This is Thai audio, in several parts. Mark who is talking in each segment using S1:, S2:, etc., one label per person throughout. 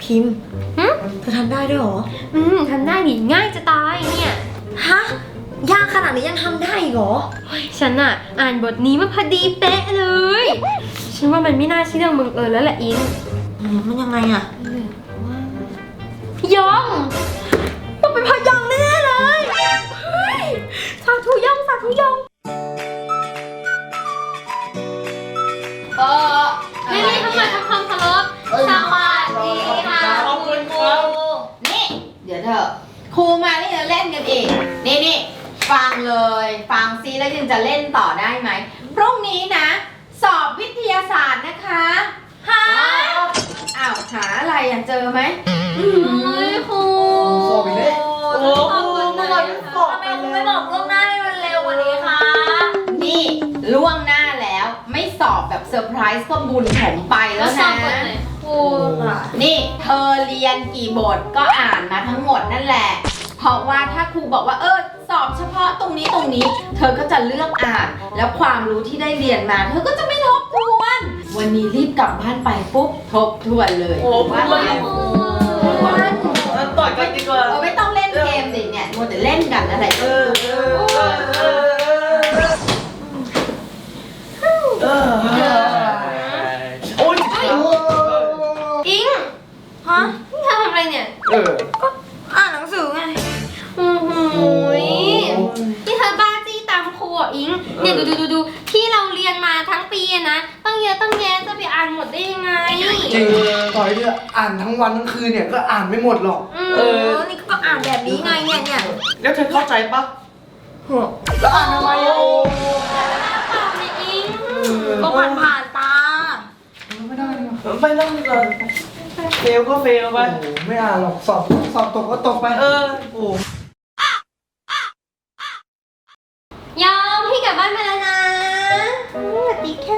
S1: พิมพ์เธอทำได้ด้วยเหรอ
S2: ทำได้ดิง่ายจะตายเนี่ย
S1: ฮะยากขนาดนี้ยังทำได้อีกเหรอ
S2: ฉันอ่ะอ่านบทนี้มาพอดีเป๊ะเลยฉันว่ามันไม่น่าใช่เรื่องบังเอิญแล้วแหละอิง
S1: มันยังไงอะ
S2: ยองต้องเป็นพยองแน่เลยสาธุยองสาธุยองนี่ทำไมทำความเคารพสวัสดีค่ะ
S3: คุณครูนี่เดี๋ยวเถอะครูมานี่จะเล่นกันอีกนี่ฟังเลยฟังซิแล้วยังจะเล่นต่อได้ไหมพรุ่งนี้นะสอบวิทยาศาสตร์นะคะหาหาอะไรอ่ะเจอไหม
S2: ครู
S1: สอบอีกแล้ว
S3: โอ้ครูเมื่อวันสอบไปแล้วไม่บอกล่วงหน้าให้มันเร็วกว่านี้คะนี่ล่วงหน้าแล้วไม่สอบแบบเซอร์ไพรส์ก็บุญผมไปแล้วนะนี่เธอเรียนกี่บทก็อ่านมาทั้งหมดนั่นแหละเพราะว่าถ้าครูบอกว่าสอบเฉพาะตรงนี้เธอก็จะเลือกอ่านแล้วความรู้ที่ได้เรียนมาเธอก็จะไม่ทบทวนวันนี้รีบกลับบ้านไปปุ๊บทบทวนเลยว่า
S1: ต่อยกันดีกว่า
S3: ไม่ต้องเล่นเกมสิเนี่ยมัวแต่เล่นกันอะไร
S1: โอ้ย
S2: อิงฮะนี่เธอทำอะไรเนี่ย
S1: ก็
S2: อ่านหนังสือไงนี่เธอบ้าจี้ตามครูอ่ะอิงเนี่ยดูที่เราเรียนมาทั้งปีนะตั้งเยอะตั้งแยะจะไปอ่านหมดได้ยังไง
S1: จริงต่อยเนี่ยอ่านทั้งวันทั้งคืนเนี่ยก็อ่านไม่หมดหรอก
S2: นี่ก็อ่านแบบนี้ไงเนี่ย
S1: แล้วเธอเข้าใจปะแล้วอ่านทำไม
S2: เปล่าเนี่ยอิงก็ผ่านตา
S1: ไม่ได้เลยเฟลก็เฟลไปไม่อ่านหรอกสอบตกก็ตกไปโอ้
S2: ยอมพี่กลับบ้านมาแล้วนะสวัสดีค่ะ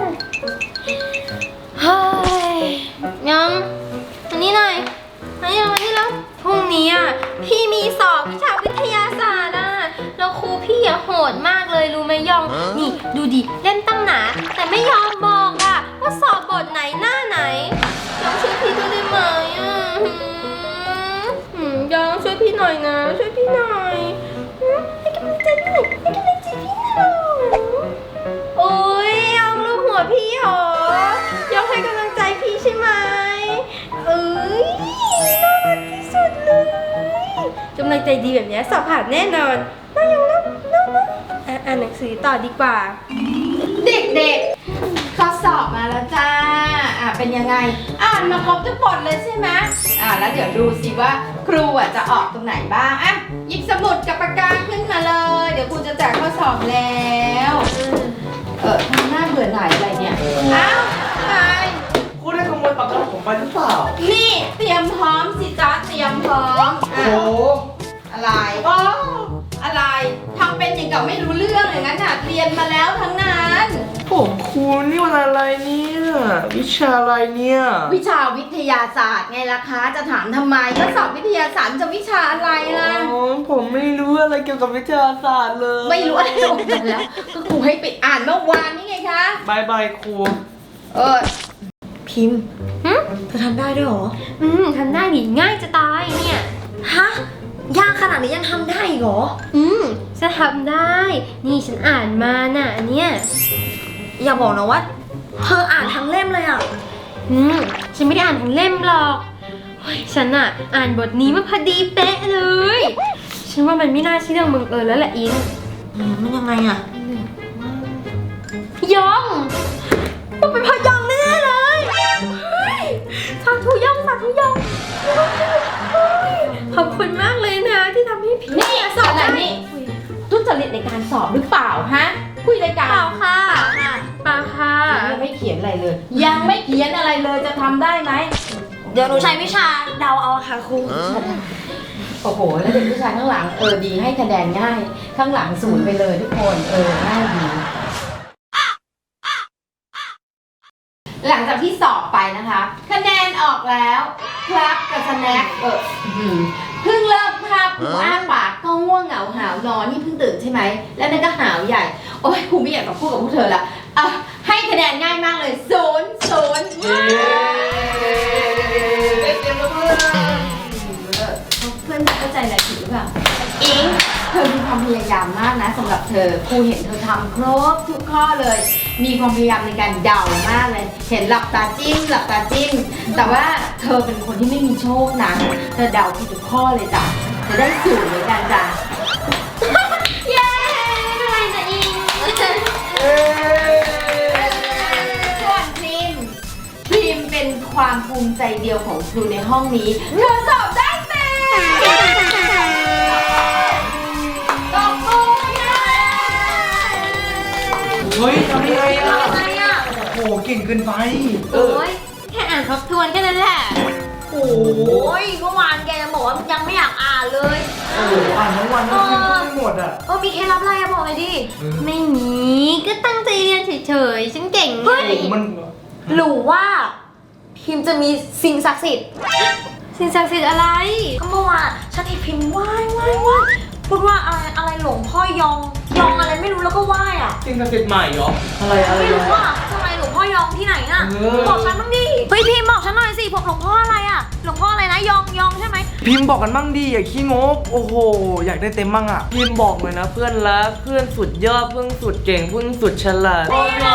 S2: เฮ้ยยอมอันนี้หน่อยอันนี้แล้วพรุ่งนี้อ่ะพี่มีสอบวิชาวิทยาศาสตร์อ่ะแล้วครูพี่โหดมากเลยรู้ไหมยองนี่ดูดิเล่นตั้งหนาแต่ไม่ยอมบอกอ่ะว่าสอบบทไหนหน้าไหนยองช่วยพี่ด้วยได้ไหมยองช่วยพี่หน่อยนะช่วยพี่หน่อยให้กำลังใจพี่หน่อยให้กำลังใจพี่หน่อยโอ้ยยองรูปหัวพี่หรอยองให้กำลังใจพี่ใช่ไหมน่ารักที่สุดเลยกำลังใจดีแบบนี้สอบผ่านแน่นอนน่ายองนะอ่านหนังสือต่อดีกว่า
S3: เด็กๆข้อสอบมาแล้วจ้าเป็นยังไงอ่านมาครบทุกบทเลยใช่ไหมแล้วเดี๋ยวดูสิว่าครูจะออกตรงไหนบ้างหยิบสมุดกับปากกาขึ้นมาเลยเดี๋ยวครูจะแจกข้อสอบแล้วทำหน้าเบื่อหน่ายอะไรเนี่ยไป
S1: ครูได้ขโมยปากกาผมไปหรือเปล่า
S3: นี่เตรียมพร้อมสิจ๊ะเตรียมพร้อม
S1: โอ้
S3: อะไรอะไรทำเป็นอย่างกับไม่รู้เรื่องอย่างนั้นเรียนมาแล้วทั้งนั้น
S1: ผมครูนี่วันอะไรเนี่ยวิชาอะไรเนี่ย
S3: วิชาวิทยาศาสตร์ไงล่ะคะจะถามทำไมก็สอบวิทยาศาสตร์จะวิชาอะไรล่ะ
S1: ผมไม่รู้อะไรเกี่ยวกับวิทยาศาสตร์เลย
S3: ไม่รู้อะไรออกมาแล้วก็ครูให้ไปอ่านเมื่อวานนี่ไงคะ
S1: บายครูพิมพ์เธอทำได้ด้วยเหรอ
S2: ทำได้ดิง่ายจะตายเนี่ย
S1: ฮะยากขนาดนี้ยังทำได้อีกเหรอ
S2: ฉันทำได้นี่ฉันอ่านมาน่ะอันเนี้ย
S1: อย่าบอกนะว่าเธออ่านทั้งเล่มเลยอ่ะ
S2: ฉันไม่ได้อ่านทั้งเล่มหรอกฉันอ่ะอ่านบทนี้มาพอดีเป๊ะเลยฉันว่ามันไม่น่าใช่เรื่องบังเอิญแล้วแหละอิง
S1: มันยังไงอ่ะ
S2: ยองต้องเป็นพยองแน่เลยสาธุยองขอบคุณมากเลยนะที่ทำให้พี่
S3: สอบอะไรนี่ทุจริตในการสอบหรือเปล่าฮะคุยรายการ
S2: เปล่าค่ะ
S3: ยังไม่เขียนอะไรเลยยังไม่เขียนอะไรเลยจะทำได้ไหม
S1: เดี๋ยวหนูใช้วิชาเดาเอาค่ะครู
S3: โอ้โหแล้วเด็กผู้ชายข้างหลังดีให้คะแนนง่ายข้างหลัง0ไปเลยทุกคนง่ายดีหลังจากที่สอบไปนะคะคะแนนออกแล้วครับกับสแน็คเพิ่งเริ่มคาบหูอ้าปากก็ง่วงเหงาหาวนอนนี่เพิ่งตื่นใช่ไหมแล้วนั่นก็หาวใหญ่โอ้ยครูไม่อยากจะพูดกับพวกเธอละให้คะแนนง่ายมากเลย0
S1: เตรียม
S3: รือเปล่าอิงเธอมีความพยายามมากนะสำหรับเธอครูเห็นเธอทำครบทุกข้อเลย มีความพยายามในการเดามากเลย เห็นหลับตาจิ้มหลับตาจิ้มแต่ว่าเธอเป็นคนที่ไม่มีโชคนะเธอเดาผิดทุกข้อเลยจ้ะจะได้สูตรเลยกันจ้ะ
S2: เย้ทำไมจะอิง
S3: ส่วนพริมเป็นความภูมิใจเดียวของครูในห้องนี้เธอสอบได้เต็มตบมือค่ะ
S1: เฮ้ยทำยังไงอะ
S2: อะไรอ่ะ
S1: โอ้โหเก่งเกินไป
S2: โอ้ยแค่อ่านทบทวนแค่นั้นแหละ
S3: โอ้ยเมื่อวานแกบอกว่ายังไม่อยากอ่านเลย
S1: โอ้โหอ่านทั้งวันทั้งคืนก็ไม่หมดอ่ะ
S3: มีเคล็ดลับอะไรอะบอกเลยดิ
S2: ไม่มีก็ตั้งใจเรียนเฉยๆฉันเก่งไง
S1: โอ้โหมัน
S3: หรือว่าพิมจะมีสิ่งศักดิ์สิทธิ์
S2: สิ่งศักดิ์สิทธิ์อะไร
S3: ก็เมื่อวานฉันเห็นพิมไหว้พูดว่าอะไรหลวงพ่อยองอะไรไม่รู้แล้วก็ไหว้อะ
S1: จริงกับติดใหม่เหรอ อะไร
S3: ไม่รู้ว่าทำไมหลวงพ่อยองที่ไหนน่ะบอกฉันบ้างดิเฮ้ยพิมบอกฉันหน่อยสิผมหลวงพ่ออะไรอะหลวงพ่ออะไรนะยองใช่ไหม
S1: พิมพ์บอกกันบ้างดิอย่าขี้งกโอ้โห อยากได้เต็มบ้างอ่ะ พิมพ์บอกเลยนะเพื่อนรักเพื่อนสุดยอดเพื่อนสุดเก่งเพื่อนสุดฉลาด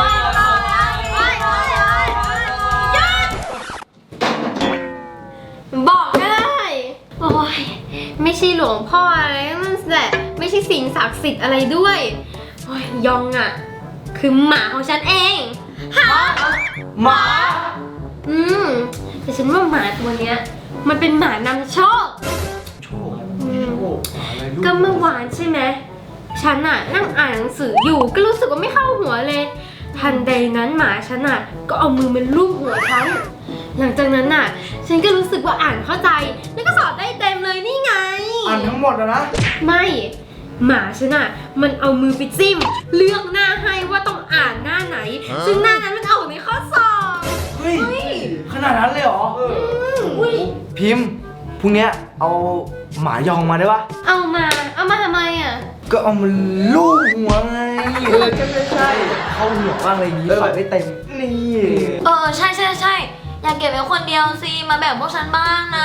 S2: บอกก็ได้ โอ้ยไม่ใช่หลวงพ่ออะไรนั่นแหละไม่ใช่สิ่งศักดิ์สิทธิ์อะไรด้วยโอ้ยยองอ่ะ คือหมาของฉันเองฮะ
S1: หมา
S2: แต่ฉันว่าหมาตัวเนี้ย มันเป็นหมานำโชค
S1: โชคอะไรลูก
S2: ก็เมื่อวานใช่ไหมฉันน่ะนั่งอ่านหนังสืออยู่ก็รู้สึกว่าไม่เข้าหัวเลย ทันใดนั้นหมาฉันน่ะก็เอามือมันลูบหัวฉันหลังจากนั้นน่ะ ฉันก็รู้สึกว่าอ่านเข้าใจ แล้วก็สอบได้เต็มเลยนี่ไง
S1: อ่านทั้งหมดอะนะ
S2: ไม่หมาฉันน่ะมันเอามือไปจิ้ม เลือกหน้าให้ว่าต้องอ่านหน้าไหน ซึ่งหน้านั้นมันออกในข้อสอบ
S1: เฮ้ย ขนาดนั้นเลยเหรอ
S2: อุ้ย
S1: พิมพ์พรุ่งเนี้ยเอาหมายองมาได้ปะ
S2: เอามาทำไมอ่ะ
S1: ก็เอามันลูบหัวไงใช่เข้าหัวมากเลยนี้สอยได้เต็ม นี่
S3: ใช่อยากเก็บไว้คนเดียวสิมาแบ่งพวกฉันบ้างนะ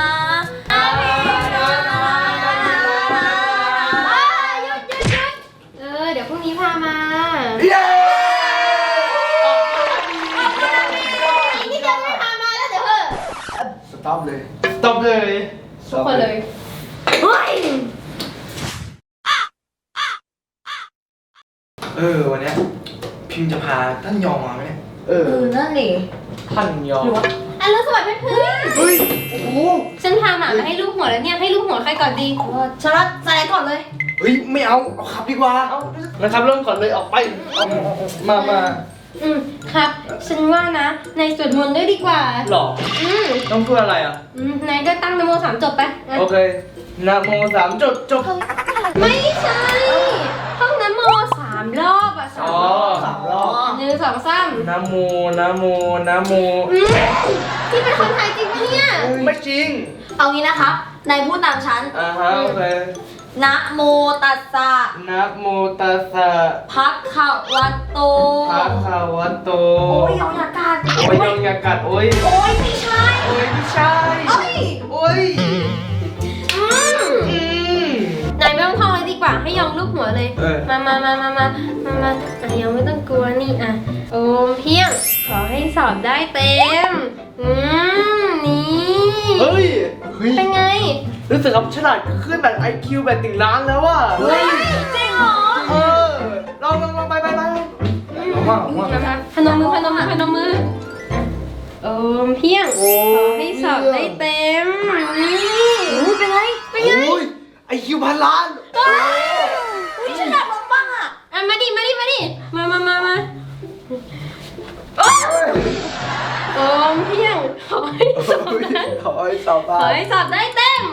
S2: เดี๋ยวพรุ่งนี้พามา
S1: เย้
S2: นี่จะไม่พามาแล้วเดี๋ยวเถอะ
S1: สต็อปเลยสต็อปเลย
S2: ทุกคนเลยเฮ้ย
S1: วันเนี้ยพิมพ์จะพาท่านยองมาไหมเนี่ย
S3: นั่นดิ
S1: ท่านยอง
S2: อันแล้วสวัสดีเพื่อน
S1: เฮ้ย โอ้โห
S2: ฉันพาหมามาให้ลูกหัวแล้วเนี่ย ให้ลูกหัวใครก่อนดี
S3: ฉันรับสไลด์ก่อนเลย
S1: เฮ้ย ไม่เอาขับดีกว่านะครับเริ่มก่อนเลยออกไปมา
S2: ครับ ฉันว่านะนายสวดมนต์ด้วยดีกว่า
S1: หรอ
S2: อืม
S1: ต้องพูดอะไรอ่ะ
S2: นายก็ตั้งนโมสามจบไปอ่ะ
S1: โอเคนะโมสามจบ
S2: ไม่ใช่ท่องนโม3 รอบอ่ะ
S1: อ๋อ3 รอบ
S2: 1 2 3
S1: นะโม
S2: ที่เป็นคนไทยจริงปะเนี่ย
S1: ไม่จริง
S3: เอางี้นะคะนายพูดตามฉัน
S1: โอเค
S3: นะโมตัสสะ
S1: นะโมตัสสะ
S3: ภะคะวะโต
S1: ภะคะวะโต
S3: โอ้ยยองยากาศ
S1: โอ้ยยองอย่ากัดโอ้ย
S3: โอ้ยไม่ใช่
S1: โอ้ยไม่ใช่
S3: เอ้ย
S1: โอ้ย
S2: นายไม่ต้องท่องเลยดีกว่าให้ยองลูกหัวเลย มายังไม่ต้องกลัวนี่อ่ะโอมเพียง ขอให้สอบได้เต็ม นี่
S1: เฮ้ย
S2: เป็นไง
S1: รู้สึกว่าฉลาดขึ้นแบบ IQ แบบติ่งล้านแล้วว่ะ
S3: เฮ้ยจริงเหรอ
S1: ลองไปว่า
S2: พนมมือโอมเพียง ขอให้สอบได้เต็ม นี่เป็นไง
S1: โอ้ย IQ พันล้าน
S3: นี่ฉันอยากลองบ้างอ่ะ
S2: มาดิมาโอมเพียง ขอให้สอบได้
S1: ขอให้สอบ
S2: ขอให้สอบได้เต็ม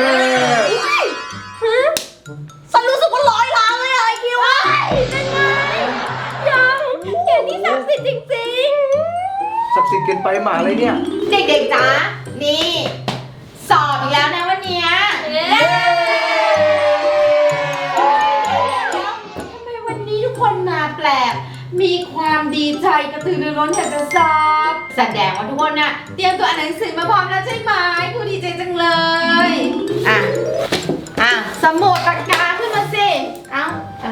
S3: ฉันรู้สึกว่า100 ล้านเลยอะไอคิวอะ
S2: เป็นไงยังเขียนที่ศักดิ์สิทธิ์จริง
S1: ศักดิ์สิทธิ์เกินไปหมาอะไรเนี่ย
S3: เด็กๆจ๋านี่ สอบอีกแล้วนะวันเนี้ย
S2: ๆ
S3: ทำไมวันนี้ทุกคนมาแปลก มีความดีใจกระตือรือร้นอยากจะสอบแสดงว่าทุกคนน่ะเตรียมตัวอ่านหนังสือมาพร้อมแล้วใช่ไหมครูดีใจจังเลยอ่ะ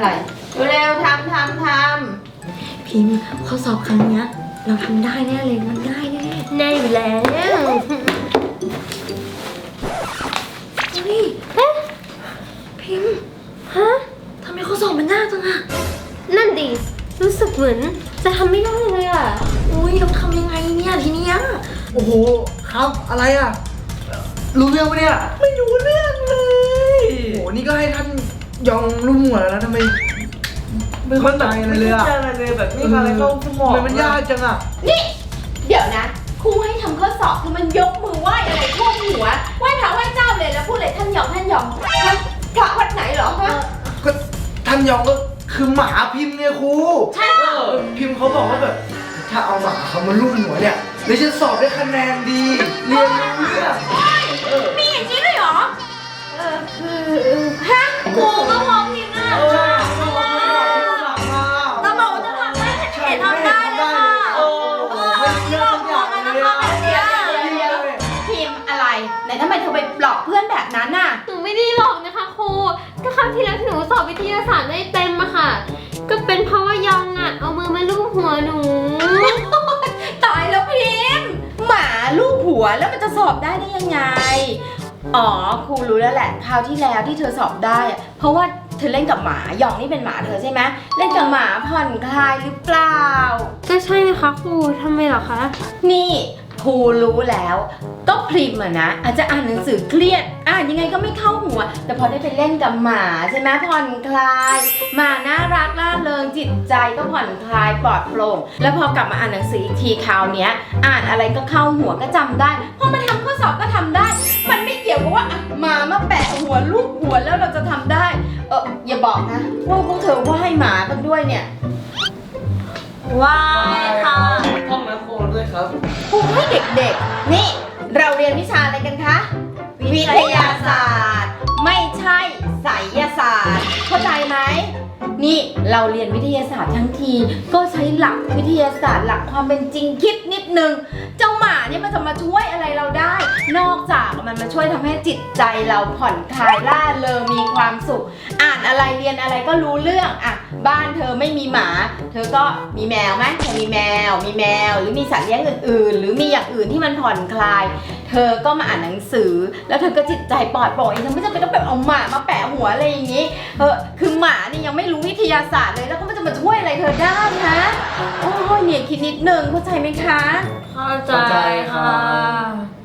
S3: อะไรเร็วๆทำ
S2: พิมพ์ข้อสอบครั้งเนี้ยเราทำได้แน่เลยมันง่ายแน่แน่อยู่แล้วเฮ้ยเอ๊ะพิมพ์ฮะทำไมข้อสอบมันยากจังอะนั่นดิรู้สึกเหมือนจะทำไม่ได้เลยอะอุ้ยเราทำยังไงเนี่ยทีเนี้ย
S1: โอ้โหครับอะไรอ่ะรู้เรื่องปะเนี่ยไม่รู้เรื่องเลยโอ้โหนี่ก็ให้ท่านยองรุ่มหัวแล้วนะทำไมไม่เข้าใจอะไรเลยอ่ะ
S4: ไม่เข้าใจอะไรเลยแบบไม่มีอะไรเข้าสมอง
S1: ทำไมมันยากจังอ่ะ
S3: นี่เดี๋ยวนะครูให้ทำข้อสอบคือมันยกมือไหว้อะไรท่วมหัวไหว้พระไหว้เจ้าเลยแล้วพูดเลยท่านยองฮะพระวัดไหนเหรอฮะ
S1: ก็ท่านยองก็คือหมาพิมพ์เนี่ยครู
S3: ใช่เหรอ
S1: พิมพ์เขาบอกว่าแบบถ้าเอาหมาเขามาลุ่มหัวเนี่ยเดี๋ยวจะสอบได้คะแนนดีเรียนรู้เรื่อง
S3: มีอย่างนี้ด้วยเหรอฮะครูก็มองพิมพ์น่ะแต่บอกว่าจะทำได้เห็นทำได้เลยค่ะพิมพ์อะไรไหนทำไมเธอไปปลอบเพื่อนแบบนั้นน่ะ
S2: หนูไม่ได้หลอกนะคะครูก็ครั้งที่แล้วที่หนูสอบวิทยาศาสตร์ได้เต็มอะค่ะก็เป็นเพราะว่ายองอะเอามือมาลูบหัวหนู
S3: ตายแล้วพิมพ์หมาลูกหัวแล้วมันจะสอบได้ยังไง อ๋อครูรู้แล้วแหละคราวที่แล้วที่เธอสอบได้อะเพราะว่าเธอเล่นกับหมาหยองนี่เป็นหมาเธอใช่ไหมเล่นกับหมาผ่อนคลายหรือเปล่า
S2: ก็ใช่นะคะครูทำไมเหรอคะ
S3: นี่ครูรู้แล้วก็พริมอะนะอาจจะอ่านหนังสือเครียดยังไงก็ไม่เข้าหัว แต่พอได้ไปเล่นกับหมาใช่ไหมผ่อนคลายหมาน่ารักล่าเริงจิตใจก็ผ่อนคลายปลอดโปร่งแล้วพอกลับมาอ่านหนังสืออีกทีคราวเนี้ยอ่านอะไรก็เข้าหัวก็จำได้พอมาทำข้อสอบก็ทำได้ มันไม่เกี่ยวกับว่าหมามาแปะหัวลูกหัวแล้วเราจะทำได้อย่าบอกนะว่าพวกเธอไหว้หมากันด้วยเนี่ย
S2: ว้ายค่ะ
S4: ห้องน้ำโคลนด้วยครับ
S3: ครูให้เด็กๆ นี่เราเรียนวิชาอะไรกันคะ วิทยาศาสตร์ ไม่ใช่ไสยศาสตร์ เข้าใจไหม นี่เราเรียนวิทยาศาสตร์ทั้งทีก็ใช้หลักวิทยาศาสตร์หลักความเป็นจริงคิดนิดนึง เจ้าหมาเนี่ยมันจะมาช่วยอะไรเราได้ นอกจากมันมาช่วยทำให้จิตใจเราผ่อนคลายล่าเริงมีความสุข อ่านอะไรเรียนอะไรก็รู้เรื่องบ้านเธอไม่มีหมา เธอก็มีแมวไหมเธอมีแมวหรือมีสัตว์เลี้ยงอื่นๆ หรือมีอย่างอื่นที่มันผ่อนคลาย เธอก็มาอ่านหนังสือ แล้วเธอก็จิตใจปลอดโปร่งเองเธอไม่จำเป็นต้องแบบเอาหมามาแปะหัวอะไรอย่างนี้คือหมาเนี่ยยังไม่รู้วิทยาศาสตร์เลยแล้วก็มันจะมาช่วยอะไรเธอได้ฮะโอ้ยเนี่ยคิดนิดนึงเข้าใจไหมคะ
S2: เข้าใจค่ะ